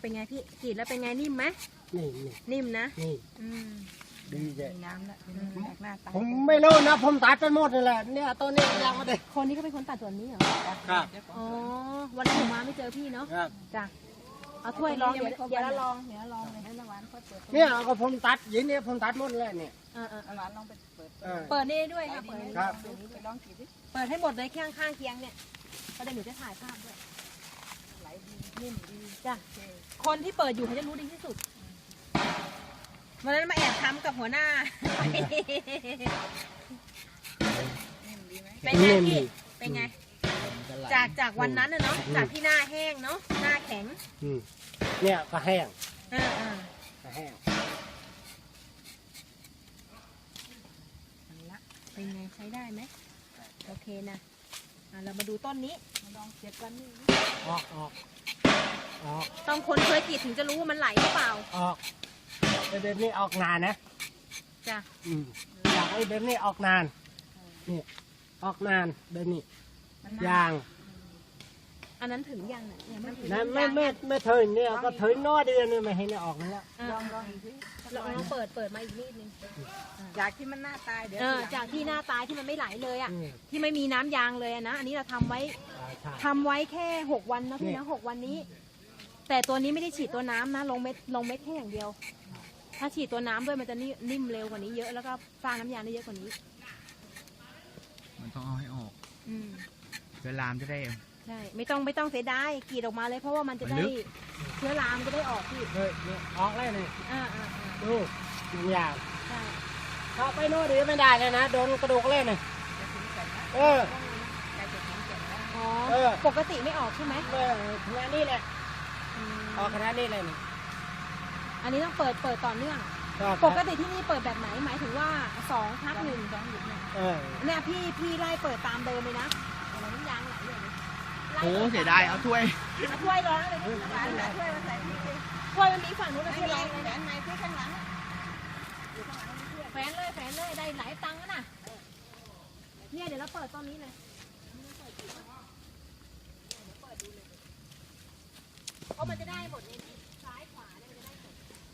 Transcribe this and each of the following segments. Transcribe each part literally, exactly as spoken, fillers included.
เป็นไงพี่กรีดแล้วเป็นไงนิ่มไหมนี่นี่นิ่มนะนี่อืมดีใจน้ำละหน้าตาผมไม่รู้นะผมตัดไปหมดเลยแหละเนี่ยตัวนี้ยังไม่ได้คนนี้ก็เป็นคนตัดส่วนนี้เหรอครับอ๋อวันนี้ผมมาไม่เจอพี่เนาะครับจ้ะเอาถ้วยลองเดี๋ยวเดี๋ยวลองเดี๋ยวลองเลยให้น้ำหวานเปิดเนี่ยก็ผมตัดยินเนี่ยผมตัดหมดเลยเนี่ยเออเออน้ำหวานลองไปเปิดเปิดนี่ด้วยค่ะเปิดครับไปลองกินดิเปิดให้หมดเลยข้างข้างเคียงเนี่ยก็ได้หนูจะถ่ายภาพด้วยไหลดีนิ่มดีจ้ะคนที่เปิดอยู่เขาจะรู้ดีที่สุดวันนั้นมาแอบทำกับหัวหน้าเป็นไงพี่เป็นไงจากจากวันนั้นเนาะจากที่หน้าแห้งเนาะหน้าแข็งเนี่ยก็แห้งอ่าอ่าก็แห้งเป็นไงใช้ได้ไหมโอเคนะอ่าเรามาดูต้นนี้มาลองเสียบกันนี่ออกออกออกต้องคนเคยกรีดถึงจะรู้ว่ามันไหลหรือเปล่าออกไอ้เบนนี่ออกนานนะจ้ะอืมอยากไอ้เบนนี่ออกนานนี่ออกนานเบนนี่ยางอันนั้นถึงยังเนี่ยไม่ถึงนั่นไม่ไม่ไม่ถึงเนี่ยก็ถึงน้อยเดือนนี่ไม่เห็นออกนี่แล้วลองลองอีกทีลองเปิดเปิดมาอีกนิดนึงจากที่มันหน้าตายเดี๋ยวจากที่หน้าตายที่มันไม่ไหลเลยอ่ะที่ไม่มีน้ำยางเลยนะอันนี้เราทำไว้ทำไว้แค่หกวันนะพี่นะหกวันนี้แต่ตัวนี้ไม่ได้ฉีดตัวน้ำนะลงเม็ดลงเม็ดแค่อย่างเดียวถ้าฉีดตัวน้ำด้วยมันจะนิ่มเร็วกว่านี้เยอะแล้วก็สร้างน้ำยางได้เยอะกว่านี้มันต้องเอาให้ออกอืมเชื้อรามจะได้ใช่ไม่ต้องไม่ต้องเสียดายกรีดออกมาเลยเพราะว่ามันจะได้เชื้อรามจะได้ออกพี่เฮ้ยออกเลยนี่อ่าอ่าดูน้ำยางใช่ถ้าไปโน่นดีไม่ได้เลยนะโดนกระดูกเล่นเลยเอออ๋อปกติไม่ออกใช่ไหมเออขนาดนี้แหละออกขนาดนี้เลยนี่อันนี้ต้องเปิดเปิดต่อเนื่องปกติที่นี่เปิดแบบไหนหมายถึงว่าสองพักหนึ่งสองหยุดเนี่ยเนี่ยพี่พี่ไล่เปิดตามเดิมเลยนะน้ำยางไหลเลยโอ้เสียดายเอาถ้วยถ้วยร้อนเลยถ้วยมาใส่ถ้วยมันมีฝั่งนู้นนะที่ร้อนเลยนะในที่ข้างหลังแฝนเลยแฝนเลยได้หลายตังค์นะเนี่ยเดี๋ยวเราเปิดตอนนี้เลยเพราะมันจะได้หมดเลยซ้ายขวาเนี่ยจะได้หมด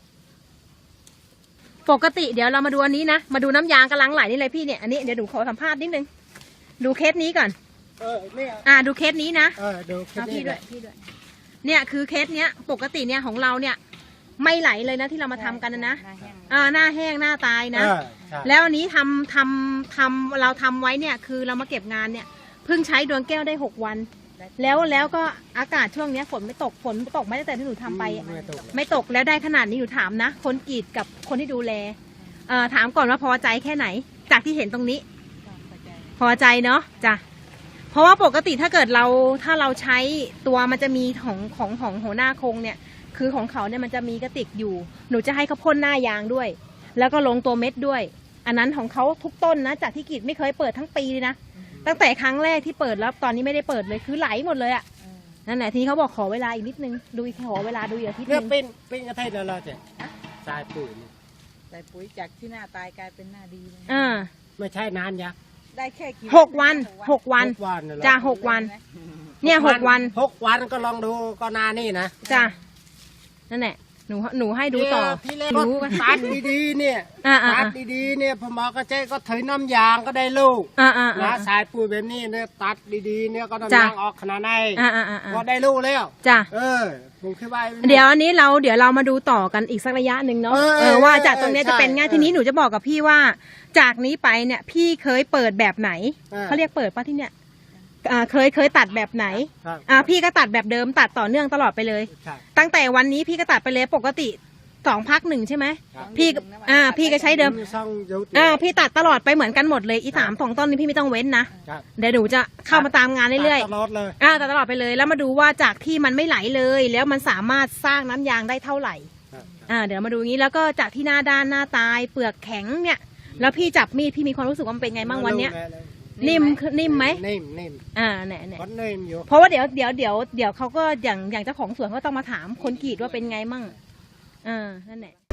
ปกติเดี๋ยวเรามาดูอันนี้นะมาดูน้ำยางกำลังไหลนี่เลยพี่เนี่ยอันนี้เดี๋ยวดูขอสัมภาษณ์นิดนึงดูเคสนี้ก่อนเออเนี่ยอ่าดูเคสนี้นะเออดูเคสนี้พี่ด้วยพี่ด้วยเนี่ยคือเคสเนี้ยปกติเนี่ยของเราเนี่ยไม่ไหลเลยนะที่เรามาทำกันนะอ่าหน้าแห้งหน้าตายนะแล้วอันนี้ทำทำทำเราทำไว้เนี่ยคือเรามาเก็บงานเนี่ยเพิ่งใช้ดวงแก้วได้หกวันแล้วแล้วก็อากาศช่วงนี้ฝนไม่ตกฝนตกไม่ตั้งแต่ที่หนูทำไปไม่ตกแล้วได้ขนาดนี้หนูถามนะคนกรีดกับคนที่ดูแลเอ่อถามก่อนว่าพอใจแค่ไหนจากที่เห็นตรงนี้พอใจเนาะจ้ะเพราะว่าปกติถ้าเกิดเราถ้าเราใช้ตัวมันจะมีของของของหัวหน้าโครงเนี่ยคือของเขาเนี่ยมันจะมีกระติกอยู่หนูจะให้เขาพ่นหน้ายางด้วยแล้วก็ลงตัวเม็ดด้วยอันนั้นของเขาทุกต้นนะจากที่กรีดไม่เคยเปิดทั้งปีเลยนะตั้งแต่ครั้งแรกที่เปิดแล้วตอนนี้ไม่ได้เปิดเลยคือไหลหมดเลยอ่ะนั่นแหละทีนี้เขาบอกขอเวลาอีกนิดนึงดูอีกขอเวลาดูอีกอาทิตย์นึงเนี่ยเป็นเป็นกระเทยแล้วเราจะใส่ปุ๋ยใส่ปุ๋ยจากที่หน้าตายกลายเป็นหน้าดีเลยอ่าไม่ใช่นานยักได้แค่หกวันหกวันจ้าหกวันเนี่ยหกวันหกวันก็ลองดูก็นานนี่นะจ้านั่นแหละหนูหนูให้ดูต่อรู้กันตัดดีๆเนี่ยตัดดีๆเนี่ยพอหมอกระเจ๊ก็ถือน้ำยางก็ได้ลูกนะสายปุ๋ยแบบนี้เนี่ยตัดดีๆเนี่ยก็น้ำยางออกขนาดไหนก็ได้ลูกแล้วจ้ะเออผมคิดว่าเดี๋ยวอันนี้เราเดี๋ยวเรามาดูต่อกันอีกสักระยะหนึ่งเนาะเออว่าจากตรงนี้จะเป็นไงทีนี้หนูจะบอกกับพี่ว่าจากนี้ไปเนี่ยพี่เคยเปิดแบบไหนเขาเรียกเปิดป่ะที่เนี่ยอ่าเคยเคยตัดแบบไหนอ่าพี่ก็ตัดแบบเดิมตัดต่อเนื่องตลอดไปเลยตั้งแต่วันนี้พี่ก็ตัดไปเลยปกติสองพักหนึ่งใช่ไหมพี่อ่าพี่ก็ใช้เดิมอ่าพี่ตัดตลอดไปเหมือนกันหมดเลยอีสามสองต้นนี้พี่ไม่ต้องเว้นนะเดี๋ยวหนูจะเข้ามาตามงานเรื่อยๆตลอดเลยอ่าตัดตลอดไปเลยแล้วมาดูว่าจากที่มันไม่ไหลเลยแล้วมันสามารถสร้างน้ำยางได้เท่าไหร่อ่าเดี๋ยวมาดูงี้แล้วก็จากที่หน้าด้านหน้าตายเปลือกแข็งเนี่ยแล้วพี่จับมีดพี่มีความรู้สึกว่ามันเป็นไงบ้างวันเนี้ยนิ่มนิ่มไหมนิ่มนิ่มอ่าเนี่ยเนี่ยนิ่มอยู่เพราะว่าเดี๋ยวเดี๋ยวเดี๋ยวเดี๋ยวเขาก็อย่างอย่างเจ้าของสวนก็ต้องมาถามคนกรีดว่าเป็นไงมั่งอ่านั่นแหละ